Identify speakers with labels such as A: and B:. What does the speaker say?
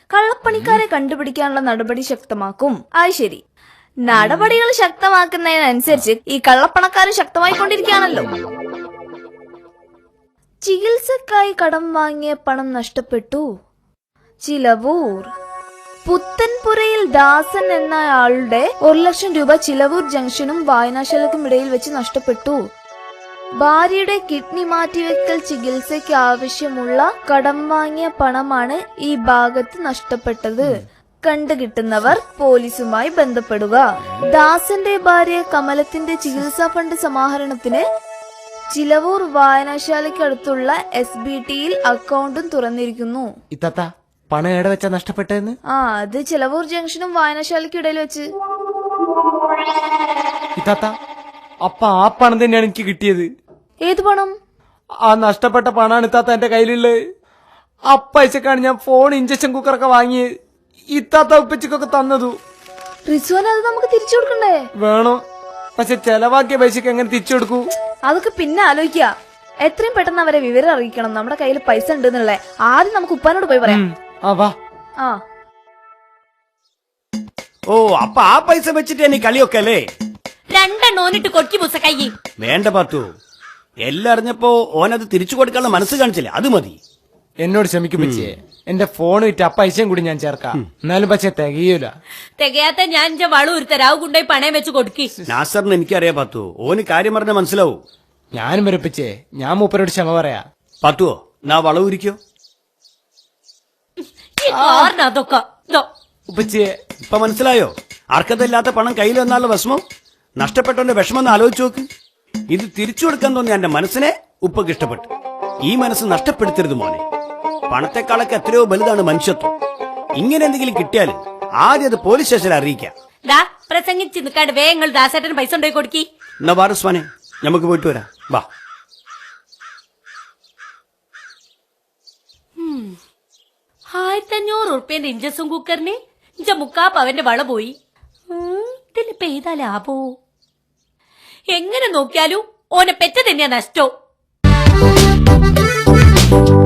A: കള്ളപ്പണിക്കാരെ കണ്ടുപിടിക്കാനുള്ള നടപടി ശക്തമാക്കും. അത് ശരി, നടപടികൾ ശക്തമാക്കുന്നതിനനുസരിച്ച് ഈ കള്ളപ്പണക്കാരും ശക്തമായിക്കൊണ്ടിരിക്കുകയാണല്ലോ. ചികിത്സക്കായി കടം വാങ്ങിയ പണം നഷ്ടപ്പെട്ടു. ചിലവൂർ. പുത്തൻപുരയിൽ ദാസൻ എന്ന ആളുടെ 1 ലക്ഷം രൂപ ചിലവൂർ ജംഗ്ഷനും വായനാശാലക്കും ഇടയിൽ വെച്ച് നഷ്ടപ്പെട്ടു. ഭാര്യയുടെ കിഡ്നി മാറ്റിവെക്കൽ ചികിത്സയ്ക്ക് ആവശ്യമുള്ള കടം വാങ്ങിയ പണമാണ് ഈ ഭാഗത്ത് നഷ്ടപ്പെട്ടത്. കണ്ടുകിട്ടുന്നവർ പോലീസുമായി ബന്ധപ്പെടുക. ദാസന്റെ ഭാര്യ കമലത്തിന്റെ ചികിത്സാ ഫണ്ട് സമാഹരണത്തിന് ചിലവൂർ വായനശാലയ്ക്കടുത്തുള്ള SBTയിൽ അക്കൗണ്ടും തുറന്നിരിക്കുന്നു.
B: ഇത്താത്ത പണം എവിടെ വെച്ചാ നഷ്ടപ്പെട്ടതെന്ന്?
A: അത് ചിലവൂർ ജംഗ്ഷനും വായനശാലയ്ക്കും ഇടയിൽ വെച്ച്.
B: ഇത്താത്ത അപ്പ ആ പണം തന്നെയാണ് എനിക്ക് കിട്ടിയത്.
A: ഏത് പണം?
B: ആ നഷ്ടപ്പെട്ട പണാണ് ഇത്താത്ത എന്റെ കയ്യിലുള്ളത്. ആ പൈസക്കാണ് ഞാൻ ഫോൺ, ഇഞ്ചക്ഷൻ കുക്കറൊക്കെ വാങ്ങിയത്. ഇത്താത്ത ഉപ്പച്ചക്കൊക്കെ തന്നതു.
A: റിസ്വാൻ, അത് നമുക്ക് തിരിച്ചു കൊടുക്കണ്ടേ?
B: വേണോ, പക്ഷെ ചെലവാക്കിയ പൈസക്ക് എങ്ങനെ തിരിച്ചു കൊടുക്കൂ?
A: അതൊക്കെ പിന്നെ ആലോചിക്ക. എത്രയും പെട്ടെന്ന് അവരെ വിവരം അറിയിക്കണം നമ്മുടെ കയ്യിൽ പൈസ ഉണ്ട് എന്നുള്ളേ. ആദ്യം നമുക്ക് ഉപ്പാനോട് പോയി പറയാം.
C: ഓ, അപ്പൊ ആ പൈസ വെച്ചിട്ട് എനിക്ക് കളിയൊക്കെ അല്ലേ?
D: രണ്ടെണ്ണോനിട്ട് കൊട്ടി മുസ കൈ
C: വേണ്ട പാത്തു, എല്ലാം അറിഞ്ഞപ്പോ ഓനത് തിരിച്ചു കൊടുക്കാനുള്ള മനസ്സ് കാണിച്ചില്ലേ, അത് മതി.
B: എന്നോട് ക്ഷമിക്കും പച്ചേ, എന്റെ ഫോൺ വിറ്റ് ആ പൈസയും കൂടി ഞാൻ ചേർക്കാം. എന്നാലും പക്ഷെ തികയൂല.
D: തികയാത്ത ഞാൻ എന്റെ വളു ഒരു തരാവ് കൊണ്ടുപോയി പണയം വെച്ച് കൊടുക്കി.
C: നാസറിന് എനിക്കറിയാം പാത്തു, ഓന് കാര്യം പറഞ്ഞ മനസ്സിലാവൂ.
B: ഞാനും വരപ്പിച്ചേ, ഞാൻ മൂപ്പരോട് ക്ഷമ പറയാ.
C: പാത്തുവോ, നാ വളവുരിക്കോ?
D: അതൊക്കെ
B: ഉപ്പച്ചേ,
C: ഇപ്പൊ മനസ്സിലായോ? അർഹതയില്ലാത്ത പണം കയ്യിൽ വന്നാലുള്ള വിഷമം, നഷ്ടപ്പെട്ടവന്റെ വിഷമം ഒന്ന് ആലോചിച്ച് നോക്ക്. ഇത് തിരിച്ചു കൊടുക്കാൻ തോന്നിയ എന്റെ മനസ്സിനെ ഉപ്പക്ക് ഇഷ്ടപ്പെട്ടു. ഈ മനസ്സ് നഷ്ടപ്പെടുത്തരുത് മോനെ. പണത്തെക്കാളൊക്കെ എത്രയോ വലുതാണ് മനുഷ്യത്വം. ഇങ്ങനെ എന്തെങ്കിലും കിട്ടിയാൽ ആദ്യം അത് പോലീസ് സ്റ്റേഷനിൽ അറിയിക്കാം.
D: പ്രസംഗിച്ച് നിൽക്കാണ്ട് വേഗങ്ങൾ ദാസേട്ടന് പൈസ ഉണ്ടായി കൊടുക്കി.
C: എന്നാ വാറുസ്മാനെ, നമുക്ക് പോയിട്ട് വരാം, വാ.
D: 1500 ഉറുപ്പ്യന്റെ ഇഞ്ചസും കുക്കറിന് ഇഞ്ച മുക്കാപ്പവന്റെ വള പോയി. ഇതിന് പെയ്താ ലാഭോ? എങ്ങനെ നോക്കിയാലും ഓനെ പെറ്റ തന്നെയാ നഷ്ടോ.